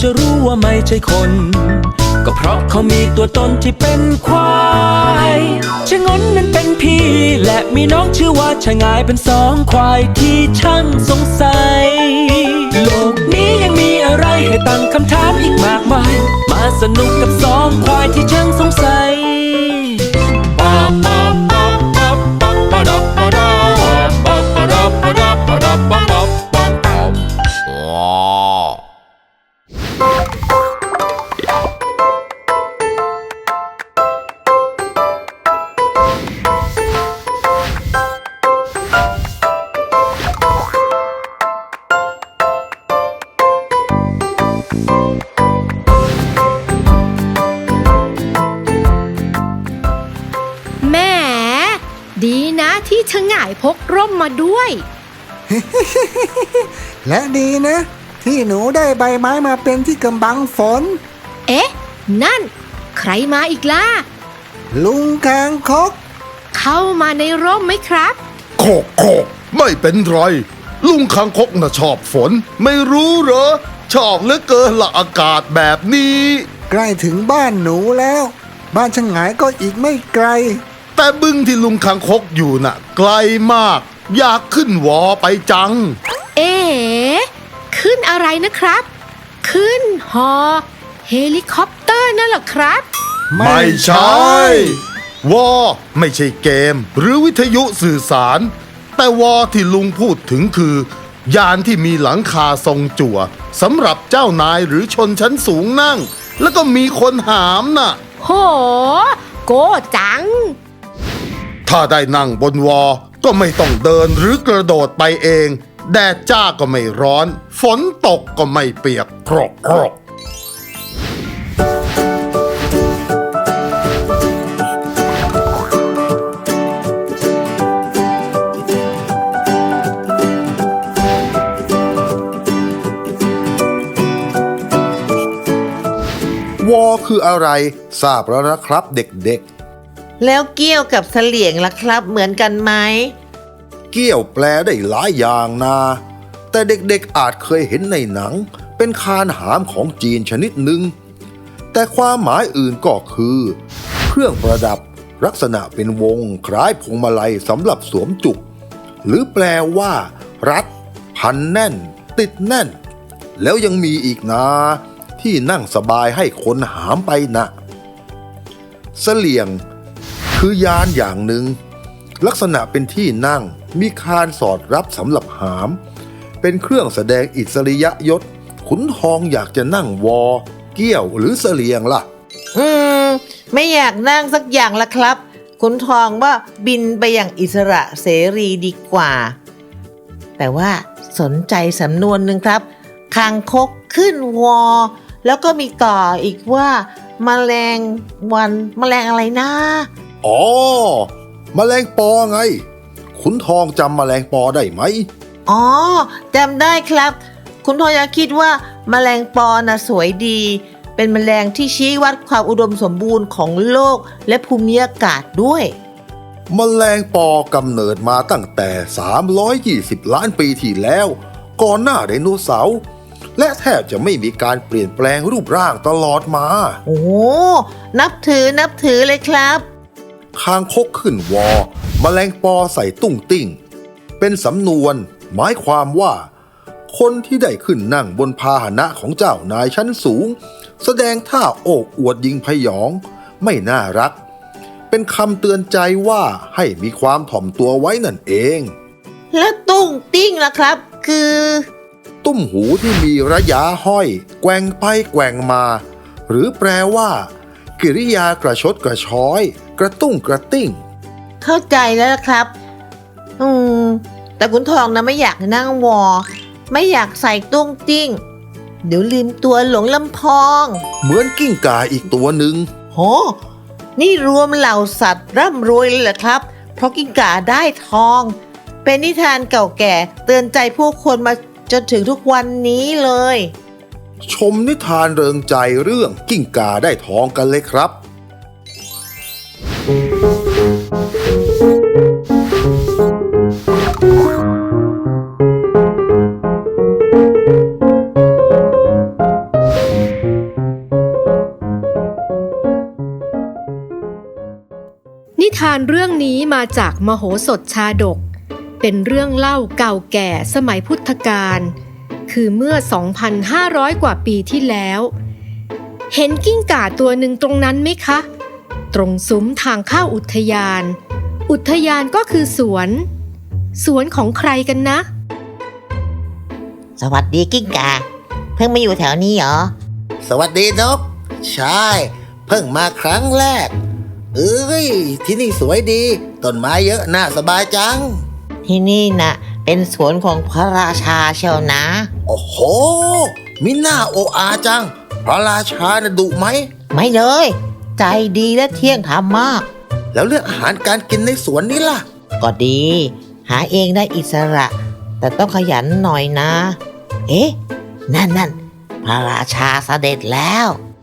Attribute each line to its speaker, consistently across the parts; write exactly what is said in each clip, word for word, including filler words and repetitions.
Speaker 1: จะรู้ว่าไม่ใช่คนก็เพราะเขามีตัวตนที่เป็นควายชะงนนั้นเป็นพี่และมีน้องชื่อว่าชะงายเป็นสองควายที่ช่างสงสัยโลกนี้ยังมีอะไรให้ตั้งคำถามอีกมากมายมาสนุกกับสองควายที่ช่างสงสัย
Speaker 2: แหมดีนะที่ฉง่ายพกร่มมาด้วย
Speaker 3: และดีนะที่หนูได้ใบไม้มาเป็นที่กำบังฝน
Speaker 2: เอ๊ะนั่นใครมาอีกล่ะ
Speaker 3: ลุงคางคก
Speaker 2: เข้ามาในร่มไหมครับ
Speaker 4: โคกโคกไม่เป็นไรลุงคางคกน่ะชอบฝนไม่รู้เหรอชอบเหลือเกินละอากาศแบบนี้
Speaker 3: ใกล้ถึงบ้านหนูแล้วบ้านช่างหงายก็อีกไม่ไกล
Speaker 4: แต่บึงที่ลุงคางคกอยู่น่ะไกลมากอยากขึ้นวอไปจัง
Speaker 2: เอ๋ขึ้นอะไรนะครับขึ้นฮอเฮลิคอปเตอร์นั่นเหรอครับ
Speaker 4: ไม่ใช่วอไม่ใช่เกมหรือวิทยุสื่อสารแต่วอที่ลุงพูดถึงคือยานที่มีหลังคาทรงจั่วสำหรับเจ้านายหรือชนชั้นสูงนั่งแล้วก็มีคนหามน่ะ
Speaker 2: โหโก้จัง
Speaker 4: ถ้าได้นั่งบนวอก็ไม่ต้องเดินหรือกระโดดไปเองแดดจ้าก็ไม่ร้อนฝนตกก็ไม่เปียกโครกโครกวอคืออะไรทราบแล้วนะครับเด็ก
Speaker 5: ๆแล้วเกี้ยวกับเสลี่ยงล่ะครับเหมือนกันไหม
Speaker 4: เกี้ยวแปลได้หลายอย่างนะแต่เด็กๆอาจเคยเห็นในหนังเป็นคานหามของจีนชนิดหนึ่งแต่ความหมายอื่นก็คือเครื่องประดับลักษณะเป็นวงคล้ายพวงมาลัยสำหรับสวมจุกหรือแปลว่ารัดพันแน่นติดแน่นแล้วยังมีอีกนะที่นั่งสบายให้คนหามไปนะเสลี่ยงคือยานอย่างหนึ่งลักษณะเป็นที่นั่งมีคานสอดรับสำหรับหามเป็นเครื่องแสดงอิสริยยศขุนทองอยากจะนั่งวอเกี้ยวหรือเสลี่ยงล่ะ
Speaker 5: อืมไม่อยากนั่งสักอย่างละครับขุนทองว่าบินไปอย่างอิสระเสรีดีกว่าแต่ว่าสนใจสำนวนหนึ่งครับคางคกขึ้นวอแล้วก็มีต่ออีกว่าแมลงวันแมลงอะไรนะ
Speaker 4: อ๋อแมลงปอไงขุนทองจำแมลงปอได้ไหม
Speaker 5: อ๋อจำได้ครับขุนทองอยากคิดว่าแมลงปอน่ะสวยดีเป็นแมลงที่ชี้วัดความอุดมสมบูรณ์ของโลกและภูมิอากาศด้วย
Speaker 4: แมลงปอกำเนิดมาตั้งแต่สามร้อยยี่สิบล้านปีที่แล้วก่อนหน้าไดโนเสาร์และแทบจะไม่มีการเปลี่ยนแปลงรูปร่างตลอดมา
Speaker 5: โอ้นับถือนับถือเลยครับ
Speaker 4: คางคกขึ้นวอแมลงปอใส่ตุ้งติ้งเป็นสำนวนหมายความว่าคนที่ได้ขึ้นนั่งบนพาหนะของเจ้านายชั้นสูงแสดงท่าโอ้อวดยิงพยองไม่น่ารักเป็นคำเตือนใจว่าให้มีความถ่อมตัวไว้นั่นเอง
Speaker 5: แล้วตุ้งติ้งล่ะครับคือ
Speaker 4: ตุ้มหูที่มีระยะห้อยแกว่งไปแกว่งมาหรือแปลว่ากิริยากระชดกระช้อยกระตุ้งกระติ้ง
Speaker 5: เข้าใจแล้วครับอืมแต่ขุนทองนะไม่อยากนั่งวอไม่อยากใส่ตุ้งติ้งเดี๋ยวลืมตัวหลงลำพอง
Speaker 4: เหมือนกิ้งก่าอีกตัวหนึ่ง
Speaker 5: โหนี่รวมเหล่าสัตว์ร่ำรวยเลยเหรอครับเพราะกิ้งก่าได้ทองเป็นนิทานเก่าแก่เตือนใจผู้คนมาจนถึงทุกวันนี้เลย
Speaker 4: ชมนิทานเริงใจเรื่องกิ้งก่าได้ทองกันเลยครับ
Speaker 2: นิทานเรื่องนี้มาจากมโหสถชาดกเป็นเรื่องเล่าเก่าแก่สมัยพุทธกาลคือเมื่อ สองพันห้าร้อย กว่าปีที่แล้วเห็นกิ้งก่าตัวหนึ่งตรงนั้นไหมคะตรงซุ้มทางเข้าอุทยานอุทยานก็คือสวนสวนของใครกันนะ
Speaker 5: สวัสดีกิ้งก่าเพิ่งมาอยู่แถวนี้เหรอ
Speaker 6: สวัสดีนกใช่เพิ่งมาครั้งแรกเอ้ยที่นี่สวยดีต้นไม้เยอะน่าสบายจัง
Speaker 5: ที่นี่นะเป็นสวนของพระราชาเชียวนะ
Speaker 6: โอ้โหมิน่าโออาจังพระราชาน่ะดุไหม
Speaker 5: ไม่เลย ใจดีและเที่ยงธรรมมาก
Speaker 6: แล้วเรื่องอาหารการกินในสวนนี้ล่ะ
Speaker 5: ก็ดี หาเองได้อิสระ แต่ต้องขยันหน่อยนะ เอ๊ะ นั่นนั่นพระราชาเสด็จแล้ว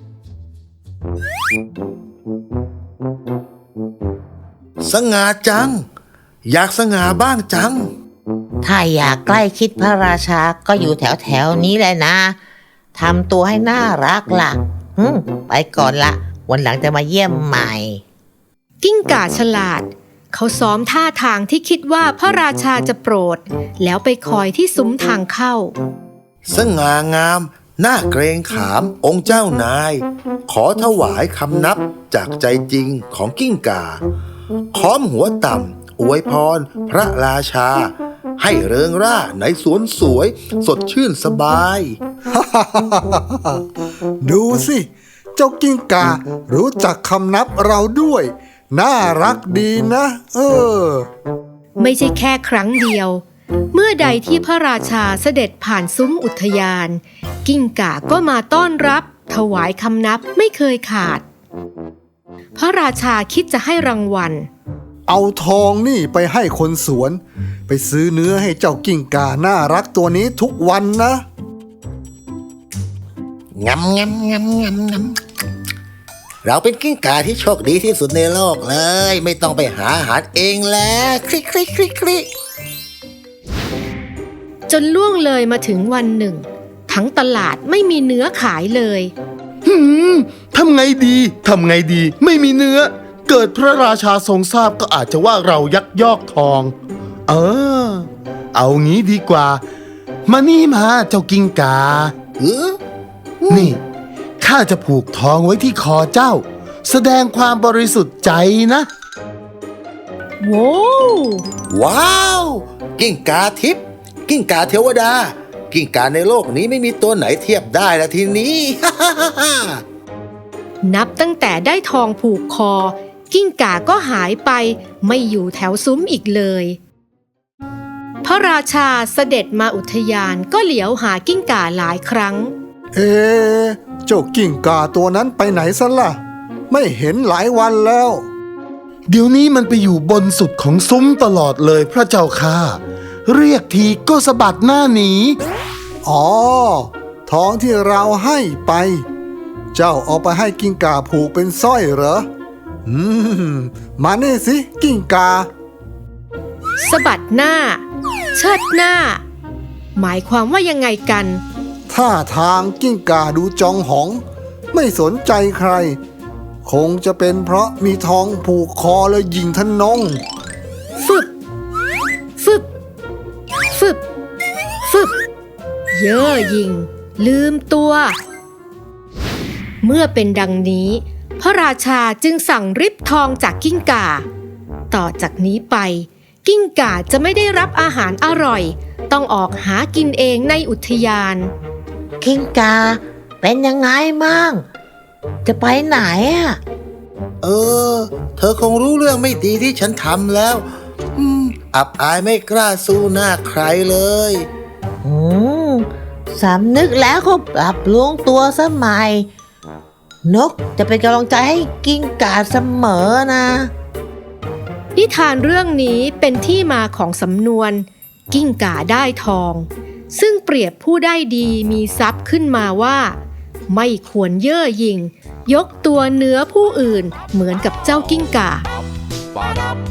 Speaker 4: สง่าจัง อยากสง่าบ้างจัง
Speaker 5: ถ้าอยากใกล้ชิดพระราชาก็อยู่แถวแถวๆนี้แหละนะทำตัวให้น่ารักล่ะอืมไปก่อนละวันหลังจะมาเยี่ยมใหม่
Speaker 2: กิ้งก่าฉลาดเขาซ้อมท่าทางที่คิดว่าพระราชาจะโปรดแล้วไปคอยที่ซุ้มทางเข้า
Speaker 4: สง่างามน่าเกรงขามองค์เจ้านาย ขอถวายคำนับจากใจจริงของกิ้งก่าค้อมหัวต่ำอวยพรพระราชา ให้เริงร่าในสวนสวยสดชื่นสบาย
Speaker 3: ดูสิ เจ้ากิ้งก่ารู้จักคำนับเราด้วย น่ารักดีนะ เออ
Speaker 2: ไม่ใช่แค่ครั้งเดียว เมื่อใดที่พระราชาเสด็จผ่านซุ้มอุทยาน กิ้งก่าก็มาต้อนรับถวายคำนับไม่เคยขาด พระราชาคิดจะให้รางวัล
Speaker 3: เอาทองนี่ไปให้คนสวน ไปซื้อเนื้อให้เจ้ากิ้งก่าน่ารักตัวนี้ทุกวันนะ
Speaker 6: งำงำงำงำงำเราเป็นกิ้งก่าที่โชคดีที่สุดในโลกเลย ไม่ต้องไปหาอาหารเองแล้วคลิกคลิกคลิกคลิก
Speaker 2: จนล่วงเลยมาถึงวันหนึ่ง ทั้งตลาดไม่มีเนื้อขายเลย
Speaker 7: หืมทำไงดี ทำไงดี ไม่มีเนื้อ เกิดพระราชาทรงทราบก็อาจจะว่าเรายักยอกทอง เออ เอางี้ดีกว่า มานี่มาเจ้ากิ้งกา
Speaker 6: เออ
Speaker 7: นี่ ข้าจะผูกทองไว้ที่คอเจ้า แสดงความบริสุทธิ์ใจนะ
Speaker 2: โว้ว
Speaker 6: ว้าว กิ้งก่าทิพย์กิ้งก่าเทวดา กิ้งก่าในโลกนี้ไม่มีตัวไหนเทียบได้ละทีนี้
Speaker 2: นับตั้งแต่ได้ทองผูกคอ กิ้งก่าก็หายไปไม่อยู่แถวซุ้มอีกเลย พระราชาเสด็จมาอุทยานก็เหลียวหากิ้งก่าหลายครั้ง
Speaker 3: เอ๊ะเจ้ากิ้งก่าตัวนั้นไปไหนซะล่ะ ไม่เห็นหลายวันแล้ว
Speaker 7: เดี๋ยวนี้มันไปอยู่บนสุดของซุ้มตลอดเลยพระเจ้าค่ะ เรียกทีก็สะบัดหน้าหนี
Speaker 3: อ๋อ ทองที่เราให้ไป เจ้าเอาไปให้กิ้งก่าผูกเป็นสร้อยเหรอ อืม มานี่สิกิ้งก่า
Speaker 2: สะบัดหน้า เชิดหน้า หมายความว่ายังไงกัน
Speaker 3: ท่าทางกิ้งก่าดูจองหอง ไม่สนใจใคร คงจะเป็นเพราะมีทองผูกคอและยิงทะนง
Speaker 2: ฟึบ ฟึบ ฟึบ ฟึบ เย่อหยิ่ง ลืมตัว เมื่อเป็นดังนี้ พระราชาจึงสั่งริบทองจากกิ้งก่า ต่อจากนี้ไป กิ้งก่าจะไม่ได้รับอาหารอร่อย ต้องออกหากินเองในอุทยาน
Speaker 5: กิ้งกาเป็นยังไงมั่งจะไปไหนอ่ะ
Speaker 6: เออ เธอคงรู้เรื่องไม่ดีที่ฉันทำแล้ว อืม อับอายไม่กล้าสู้หน้าใครเลย
Speaker 5: อืมสำนึกแล้วก็ปรับปรุงตัวสมัย นกจะเป็นกำลังใจให้กิ้งก่าเสมอนะ
Speaker 2: นิทานเรื่องนี้เป็นที่มาของสำนวน กิ้งก่าได้ทอง ซึ่งเปรียบผู้ได้ดีมีทรัพย์ขึ้นมาว่า ไม่ควรเย่อหยิ่ง ยกตัวเหนือผู้อื่นเหมือนกับเจ้ากิ้งก่า
Speaker 1: Ba-dum,